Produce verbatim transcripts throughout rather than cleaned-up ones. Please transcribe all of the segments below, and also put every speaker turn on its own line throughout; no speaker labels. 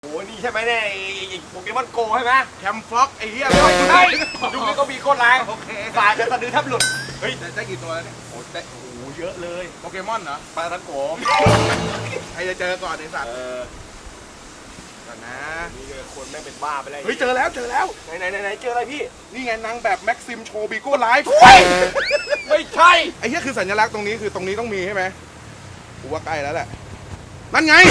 โอ้นี่ใช่ไหมเนี่ยโปเกมอนโกใช่ไหม
แคมฟ็อกไอ้เหี้ย
ใช่ยุคนี้ก็มีโคตรแรงโอเคสายจะสะดือแทบหลุดเฮ้ย
ได้กี่ตัวแล้วเนี่ย
โอ้ได้โอ้โหเยอะเลย
โปเกมอนเหรอ
ปลาทังโก
ใครจะเจอก่อนไอ้สัตว์
เออ
ก่อนนะ
นี่คนแม่งเป็นบ้าไปเลย
เฮ้ยเจอแล้วเจอแล้ว
ไหนไหนไหนเจออะไรพี่
นี่ไงนางแบบแม็กซิมโชบิโก้ไลฟ์
ไม่ใช่
ไอ้เหี้ยคือสัญลักษณ์ตรงนี้คือตรงนี้ต้องมีใช่ไหมกูว่าใกล้แล้วแหละนั่นไง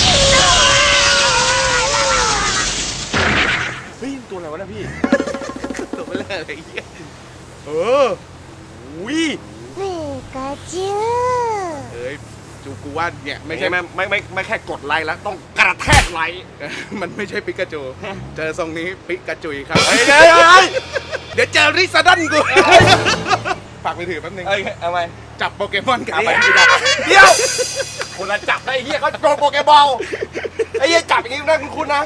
เฮ้ยตัวอะไรวะเนี่ยพี่
ตัวไม่เลิกไอ้เหี้ยเออ
อุ้ย
ピカチュウ
เอ้ยจูกูว่าเนี่ย
ไม่
ไม่
ใช่
ใช่
ไม่ไม่ไม่ไม่แค่กดไลค์แล้วต้องกระแทกไลค์
มันไม่ใช่ปิกาจูเจอทรงนี้ปิกาจุยครับ
เฮ้ยเฮ้ยเฮ้ย
เดี๋ยวเจอริซาดันกูฝากไปถือแป๊บนึง
เฮ้ยเอาไหม
จับโปเกมอนกับ
เอา
ไป
ไป
ไม่ได้
เดี๋ยวคนละจับได้ไอ้เหี้ยเขาโดนโปเกบอลไอ้เหี้ยจับอย่างนี้ได้คุณคุณนะ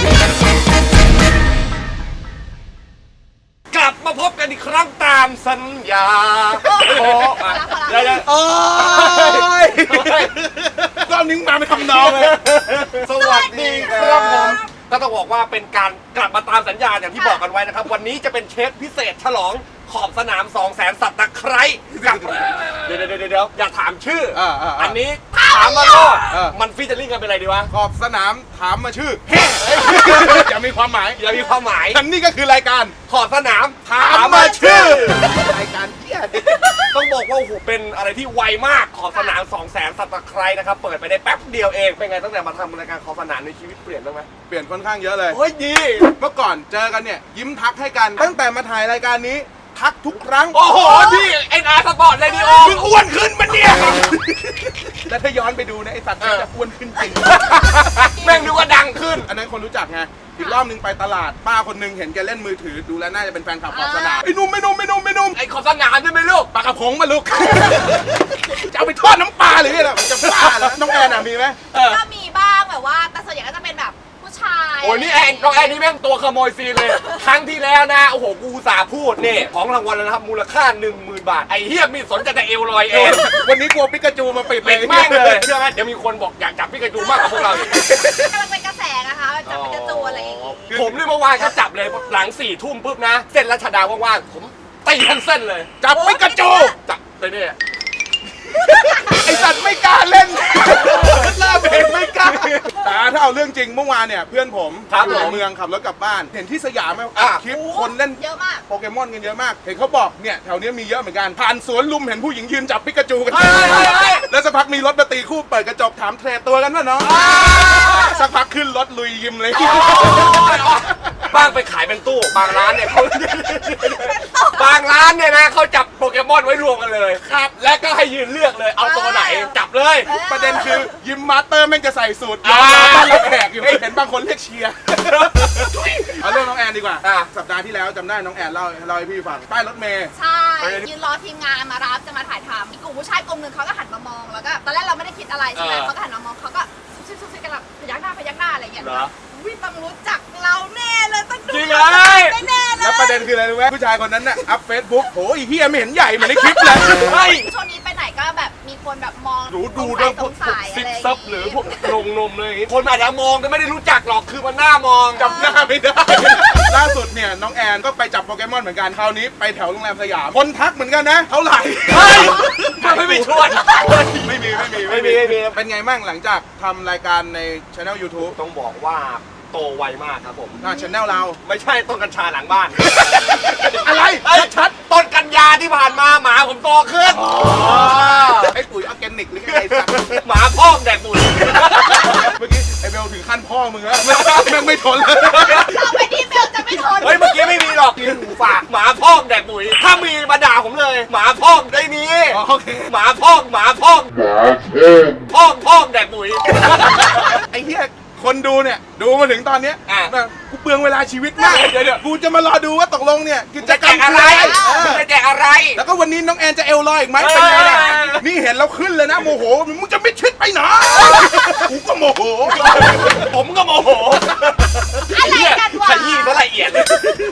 กลับมาพบกันอีกครั้งตามสัญญาโอ้มาเดี๋ยวๆ
โอ้ยรอบนี้มาไม่ทำนองเลย
สวัสดีครับผมก็ต้องบอกว่าเป็นการกลับมาตามสัญญาอย่างที่บอกกันไว้นะครับวันนี้จะเป็นเชฟพิเศษฉลองขอบสนามสองแสนสัตว์ตะไคร้กับเดี๋ยวเดี๋ยวเดี๋ยวอย่าถามชื่อ
อ่าอ่า
อันนี้ถามมาโลด
เออ
มันฟีเจอริ่งกันเป็นอะไรดีวะ
ขอบสนามถามมาชื่อเฮ้จะมีความหมาย
อย่ามีความหมาย
อันนี้ก็คือรายการ
ขอบสนาม
ถามมาชื่อรายการเหี้ย
ต้องบอกว่าโอ้โหเป็นอะไรที่ไวมากขอบสนามสองแสนสัตว์ตะไคร้นะครับเปิดไปได้แป๊บเดียวเองเป็นไงตั้งแต่มาทำรายการขอบสนามในชีวิตเปลี่ยนบ้างไหม
เปลี่ยนค่อนข้างเยอะเลย
เฮ้ยดี
เมื่อก่อนเจอกันเนี่ยยิ้มทักให้กัน ตั้งแต่มาถ่ายรายการนี้ ทักทุกครั้ง
โอ้โหพี่เอ็นอาร์สปอร์ตเรดิโอ
มึงอ้วนขึ้นมันเนี่ยแล้วถ้าย้อนไปดูนะไอสัตว์มันจะอ้วนขึ้นจริง
แม่งนึกว่าดังขึ้น
อันนั้นคนรู้จักไงอีกรอบนึงไปตลาดป้าคนนึงเห็นแกเล่นมือถือดูแล้วน่าจะเป็นแฟนคลับขอบสนามไอ้หนุ่มไอ้หนุ่มไอ้หนุ่มไอ้หนุ่ม
ไอ้ขอบสนามใช่ไหมลูก
ปลากระพงมาลูก จะเอาไปทอดน้ำปลาหรือไงล่ะมันจะบ้าเหรอน้องแอนอ่ะมีไหม
เออ
ก็มีบ้างแบบว่าแต่ส่วนใหญ่ก็จะเป็นแบบผู้ชาย
โอ้ยนี่แอนน้องแอนนี่แม่งตัวขโมยซีนเลย ครั้งที่แล้วนะ โอ้โห กูอุตสาห์พูดนี่ของรางวัลแล้วนะครับ มูลค่า หนึ่งหมื่น บาท ไอ้เฮียมีสนใจแต่เอวลอยเอง
วันนี้กลัวปิกาจูมาปิดเล
เป็
ย
นแม่งเลยเชื่อไหมเดี๋ยวมีคนบอกอยากจับพี่กระจูมากกว่าพวกเราอีก
กำลังเป็นกระแสนะคะจับเป็นกระจูอะไรอย่างงี้
ผมนี่เมื่อวานก็จับเลยหลังสี่ทุ่มปุ๊บนะ เส้นรัชดาว่างๆผมตีทันเส้นเลย
จับปิกาจู
จับเลยเนี่ย
ไอสัตว์ไม่กล้าเล่นเริ่มเห็นไม่กล้าแต่ถ้าเอาเรื่องจริงเมื่อวานเนี่ยเพื่อนผม
ครับ
อยู่
ผม
ในเมืองขับรถกลับบ้าน เห็นที่สยามไหม
อ่ะ
คลิปคนเล่น
เยอะมาก
โปเกมอนกันเยอะมาก เห็นเขาบอกเนี่ยแถวนี้มีเยอะเหมือนกัน ผ่านสวนลุมเห็นผู้หญิงยืนจับปิกาจูกัน
เฮ้ยเฮ้ยเฮ้ย
แล้วสักพักมีรถมาตีคู่เปิดกระจกถามเทรดตัวกันว่าน้องสักพักขึ้นรถลุยยิมเลย
บ้างไปขายเป็นตู้ บางร้านเนี่ยเขาบางร้านเนี่ยนะเขาจับโปเกมอนไว้รวมกันเลยครับ และก็ให้ยืนเลือกเลย เอาตัวไหนจับเลย
ประเด็นคือยิมมาสเตอร์แม่งจะใส่สูตร
อ่า
รอต้อนรับแขกอยู่เห็นบางคนเรียกเชียร์เอาเรื่องน้องแอนดีกว่า
อ่ะ
สัปดาห์ที่แล้วจำได้น้องแอนเล่าเล่าให้พี่ฟังใต้รถเมย์
ใช่ยืนรอทีมงานมารับจะมาถ่ายทำมีกลุ่มผู้ชายกลุ่มหนึ่งเขาก็หันมามองแล้วก็ตอนแรกเราไม่ได้คิดอะไรใช่ไหม
เออ
เขาก็หันมามองเขาก็ซุบซิบซุบซิบกันแบบพยักหน้าพยักหน้าอะไรอย่างเงี้ย
เหรอ
วิต้องรู้จักเราแน่เลยต้องดู
จริงเหรอ
แน่ๆเลย
แล้วประเด็นคืออะไรรู้ไหมผู้ชายคนนั้นน่ะอัพเฟซบุ๊กโหอีเฮียไม่เห็นใหญ่เหมือนในคลิปเลย
เฮ้ย
ช่วงนี้ไปไหนก็แบบมีคนแบบมอง
หนูดู
ส
เรื่อง
ง
พวก
สัย
ซิ
อะไร
ป
อย่าง
ซับหรือพวกนมนมเลยอย่างงี้คนอาจจะมองแต่ไม่ได้รู้จักหรอกคือมันหน้ามอง
จำหน้าไม่ได้ ล่าสุดเนี่ยน้องแอนก็ไปจับโปเกมอนเหมือนกันคราวนี้ไปแถวโรงแรมสยามคนทักเหมือนกันนะเท่าไหร่
เฮ้ยมันไม่มีชวน
ไม่มีไม่มี
ไม่มีไม่มี
เป็นไงบ้างหลังจากทำรายการในช anel YouTube
ต้องบอกว่าโตไวมากครับผม
อ่าช anel เรา
ไม่ใช่ต้นกัญชาหลังบ้าน
อะไร
เอ้ยชัดต้นกันยาที่ผ่านมาหมาผมโตขึ้น
ไอ้ปุ๋ยออร์แกนิกหรือไงไอ้สัตว์
หมาพ่องแดกปุ๋ย
เมื่อกี้ไอ้เบลถึงขั้นพ่อมึงแล้วแม่งไม่ทนเลย
เราไปที่เบลจะไม่ทน
เฮ้ยเมื่อกี้ไม่มีหรอกมีหูฝากหมาพ่องแดกปุ๋ยถ้ามีมาด่าผมเลย หมาพ่องได้นี้
อ๋อโอเค
หมาพ่องหมาพ่องพ่องพ่องแดกปุ๋ย
ไอ้เหี้ยคนดูเนี่ยดูมาถึงตอนเนี้ย
อ่ะ
แบบกูเปลืองเวลาชีวิตมาก
เดี๋ยวเดี๋ยว
กูจะมารอดูว่าตกลงเนี่ยกิจ
จะ
กร
แจ
รม
กอะไร
เออ
จะแจกอะไร
แล้วก็วันนี้น้องแอนจะเอลลอยอีกไหมเป็นไงล่ะ
เออ
นี่เห็นแล้วขึ้นเลยนะโมโหมึงจะไม่ชิดไปไหนกูก็โมโห
ผมก็โมโห
อะไรกันวะ
ขยี้ซะละเอียดเลยวันนี้นะ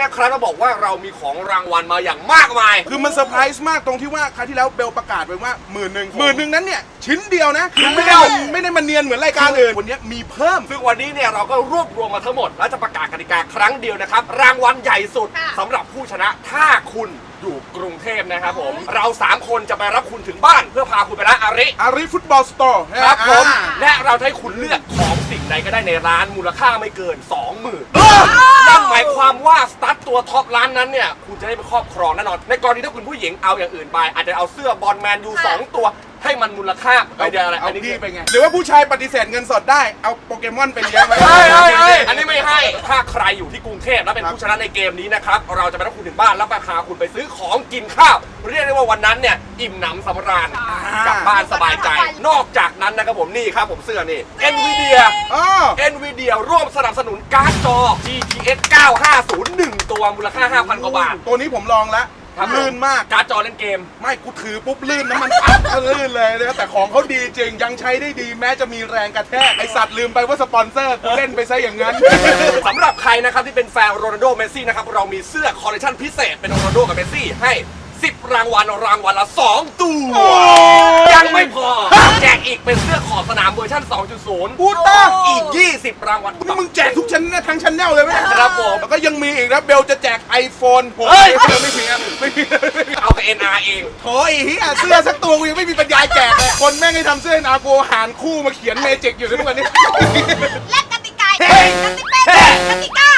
นะครับเราบอกว่าเรามีของรางวัลมาอย่างมากมาย
คือมันเซอร์ไพรส์มากตรงที่ว่าครั้งที่แล้วเบลประกาศไปว่าหมื่นหนึ่งหมื่นหนึ่งนั้นเนี่ยชิ้นเดียวนะคือไม่ได้ไม่ได้มาเนียนเหมือนรายการอื่นวันนี้มีเพิ่ม
ซึ่งวันนี้เนี่ยเราก็รวบรวมมาทั้งหมดและจะประกาศกติกาครั้งเดียวนะครับรางวัลใหญ่สุดสำหรับผู้ชนะถ้าคุณอยู่กรุงเทพนะครับผมเราสามคนจะไปรับคุณถึงบ้านเพื่อพาคุณไปร้านอาริ
อาริฟุตบอลสโตร์
ครับผมและเราจะให้คุณเลือกของสิ่งใดก็ได้ในร้านมูลค่าไม่เกิน สองหมื่น นั่นหมายความว่าสตาร์ทตัวท็อปร้านนั้นเนี่ยคุณจะได้ไปครอบครองแน่นอนในกรณีถ้าคุณผู้หญิงเอาอย่างอื่นไปอาจจะเอาเสื้อบอลแมนยูสองตัวให้มันมูลค่าไปเดียวอะไร
เอา
อันนี้
พี่ไปไงหรือว่าผู้ชายปฏิเสธเงินสดได้เอาโปเกมอนไปเลี้ยงไว้
เฮ้ยเฮ้ยเฮ้ยอันนี้ไม่ให้ถ้าใครอยู่ที่กรุงเทพและเป็นผู้ชนะในเกมนี้นะครับเราจะไปรับคุณถึงบ้านแล้วไปพาคุณไปซื้อของกินข้าวเรียกได้ว่าวันนั้นเนี่ยอิ่มหนำสำราญกลับบ้านสบายใจนอกจากนั้นนะครับผมนี่ครับผมเสื้อนี่ Nvidia
อ๋อ
Nvidia ร่วมสนับสนุนการ์ดจอ จี ที เอส เก้าห้าศูนย์ หนึ่งตัวมูลค่า ห้าพัน กว่าบาท
ตัวนี้ผมลองแล้วลื่นมาก
การ์ดจอเล่นเกม
ไม่กูถือปุ๊บลื่นน้ำมันอัดลื่นเลยนะครับแต่ของเขาดีจริงยังใช้ได้ดีแม้จะมีแรงกระแทกไอสัตว์ลืมไปว่าสปอนเซอร์กูเล่นไปซะอย่างนั้น
สำหรับใครนะครับที่เป็นแฟนโรนัลโดเมสซี่นะครับเรามีเสื้อคอลเลคชันพิเศษเป็นโรนัลโดกับเมสซี่ให้สิบรางวัลรางวัลละสองตัวยังไม่พอแจกอีกเป็นเสื้อขอบสนามเวอร์ชัน สองจุดศูนย์
พูดต้า
อีกยี่สิบรางวัล
นี่มึงแจกทุกชั้นทั้งชั้นแนลเลยไหม
ครับผม
แล้วก็ยังมีอีกนะเบลจะแจก iPhone ผม
เฮ้ย
ไม่มีอะไม่มี
เอากับ เอ็น อาร์ เอง
โถไอ้เหี้ยเสื้อสักตัวกูยังไม่มีปัญญาแจกเลยคนแม่งให้ทำเสื้อนาโกหารคู่มาเขียนเมจิกอยู่ทุกวันนี้
และกติกาเป็นกติกา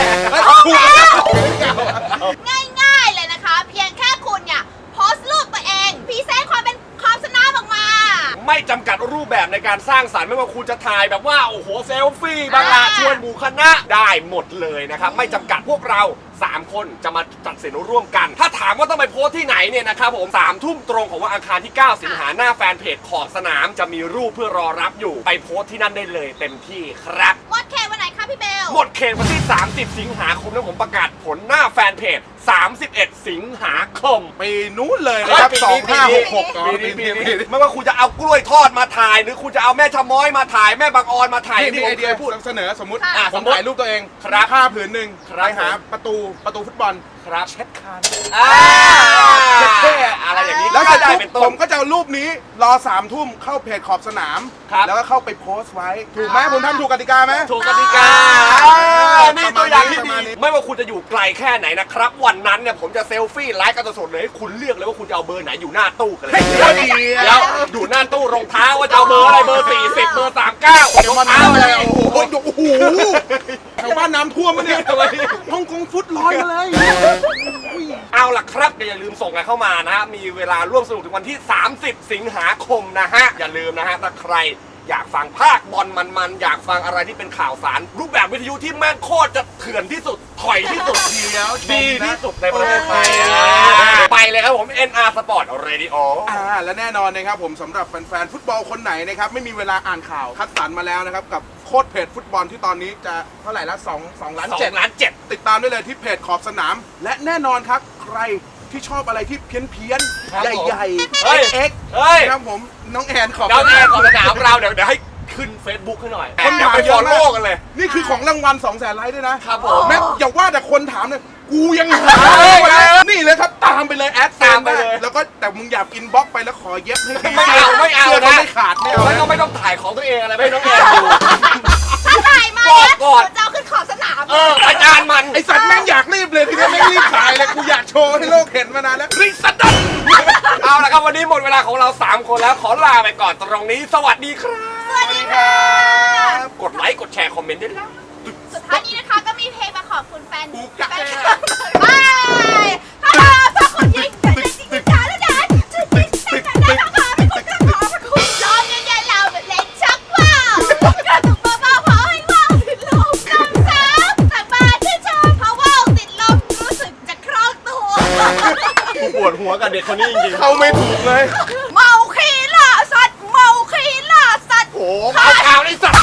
ง่ายๆเลยนะคะ เพียงแค่คุณเนี่ยโพสต์รูปตัวเองพรีเซนต์ความเป็นความสนามออกมา
ไม่จำกัดรูปแบบในการสร้างสรรค์ไม่ว่าคุณจะถ่ายแบบว่าโอ้โหเซลฟี่บางลาชวนหมู่คณะได้หมดเลยนะครับไม่จำกัดพวกเราสามคนจะมาจัดสินร่วมกัน ถ้าถามว่าต้องไปโพสที่ไหนเนี่ยนะครับผมสามทุ่มตรงของวันอังคารที่เก้าสิงหาหน้าแฟนเพจขอบสนามจะมีรูปเพื่อรอรับอยู่ไปโพสที่นั่นได้เลยเต็มที่ครับ
หมดเขตวันไหนคะพี่เบล
หมดเขตวันที่ สามสิบ สิงหาคมแล้วผมประกาศผลหน้าแฟนเพจ สามสิบเอ็ด สิงหาคม
ปีนู้นเลยนะครับสองห้าหกหก
ปีนี้ปีนี้ไม่ว่าคุณจะเอากล้วยทอดมาถ่าย หรือคุณจะเอาแม่ชะม้อยมาถ่ายแม่บางออนมาถ่าย
นี่
ที่
นี่
ผ
ไอ
ม
เดีย
เคย
พู
พู
ด
ด
เสนอสมมติ
อ่ะ
ผม
สมมุติ
ถ่ายรูปตัวเอง
ครับ
ผ้าผืนหนึ่ง
ครับ
ไปหาประตูประตูฟุตบอล
ครับ
เช็ดคาน
อ่า
เท่
อะไรอย่างนี้
แล้ว
ก็
เสร็จ
ได้
ปุ๊บ
เป็นต้
ผ
น
มก็จะเอารูปนี้รอสามทุ่มเข้าเพจขอบสนาม
ครับ
แล้วก็เข้าไปโพสต์ไว้ ถูกไหมผมทำถูกกติกาไหม
ถูกกติกา
อ่า
นี่ตัวอย่างที่
ประมาณ
ดี
นี้
ไม่ว่าคุณจะอยู่ไกลแค่ไหนนะครับ วันนั้นเนี่ยผมจะเซลฟี่ไลฟ์กันสดๆเลยให้คุณเลือกเลยว่าคุณจะเอาเบอร์ไหนอยู่หน้าตู้กันเลย
เดี๋ยวดี
เดี๋ยวอยู่หน้าตู้รองเท้าว่าจะเอาเบอร์อะไรเบอร์สี่สิบเบอร์สามสิบเก้ารองเท้าอะไร
โอ้โหโอ้โหแถวบ้านน้ำท่วมมะเนี่ยฮ่องกงฟุตลอยมาเลย
เอาล่ะครับอย่าลืมส่งกันเข้ามานะฮะมีเวลาร่วมสนุกถึงวันที่ สามสิบ สิงหาคมนะฮะอย่าลืมนะฮะถ้าใครอยากฟังภาคบอลมันๆอยากฟังอะไรที่เป็นข่าวสาร รูปแบบวิทยุที่แม่งโคตรจะเถื่อนที่สุดถอยที่สุด
เดี๋ยวชมนะ
ดีที่สุดในประเทศไทย
โอ้
ไปเลยครับผม เอ็น อาร์ Sport Radio
อ่าและแน่นอนนะครับผมสำหรับแฟนๆฟุตบอลคนไหนนะครับไม่มีเวลาอ่านข่าวคัดสรรมาแล้วนะครับกับโค้ดเพจฟุตบอลที่ตอนนี้จะเท่าไหร่ละสอง สองล้าน
สอ
เจ็ด
งล้านเจ็ด
ติดตามได้เลยที่เพจขอบสนาม และแน่นอนครับใครที่ชอบอะไรที่เพี้ยนเพี้ยนๆ
ครับผม
ใหญ่
เฮ้ย
ๆเอ็กซ์
เฮ้ย
นะครับผมน้องแอนขอบ
เดี๋ยวแอนของสนามเราเดี๋ยวเดี๋ยวให้ขึ้น Facebook ให้หน่อย
คน
เดี๋ยว
ถาม
ไป
เย
ฟอ
อะ
ล
มา
โล่
ก
กันเลย
นี่คือของรางวัลสองแสนไลค์ด้วยนะครับ
ผม
แม้อย่าว่าแต่คนถามเลยกูยังหา
เฮ้ย
นี่เลยครับตามไปเลยแอด
ตามไปเลย
แล้วก็แต่มึงอย่าอินบ็อกซ์ไปแล้วขอเย็บให้ดี
ไม่เอาไม่เอา
สื้
นะ
ไม่ขาดไม่เอา
แล้วก็
นะ
ไม่ต้องถ่ายของตัวเองอะไรไม่ให้น้องแอนดู
ถ้าถ่ายมา
บอก
เนี่ย
ก่อน
จะเอาขึ้นขอบสนาม
เอออาจารย์มัน
ไอสัตว์แม่งอยากรีบเลยทีนี้ไม่รีบขายเลยกูอยากโชว์ให้โลกเห็นมานานแล้ว
ริสดันเอาละครับวันนี้หมดเวลาของเราสามคนแล้วขอลาไปก่อนตรงนี้ สวัสดีครับ
สวัสดีค่ะ
กดไลค์กดแชร์คอมเมนต์ด้วยนะ
สุดท้ายนี้นะคะก็มีเพลงมาขอบคุณแฟน
กูกะ
แฟนคลับ บายฮ่าฮ่าถ้าคนยิงจะยิงยิงจ้าแล้วนะจะยิงแต่แต่แต่ถ้ามาไม่กดจะขอพระคุณร้องเย็นๆเราเล่นชักว่าวกระตุกเบาๆขอให้ว่าวติดลมน้ำสาวแต่มาที่ชอบเพราะว่าวติดลมรู้สึกจะคล่องตัว
กูปวดหัวกับเด็กคนนี้จริงๆ
เข้าไม่ถูกเลย
เมาขี้ล่าสัตว์เมาขี้ล่าสัตว์
โอ้โหเอาข่าวไอ้สัตว์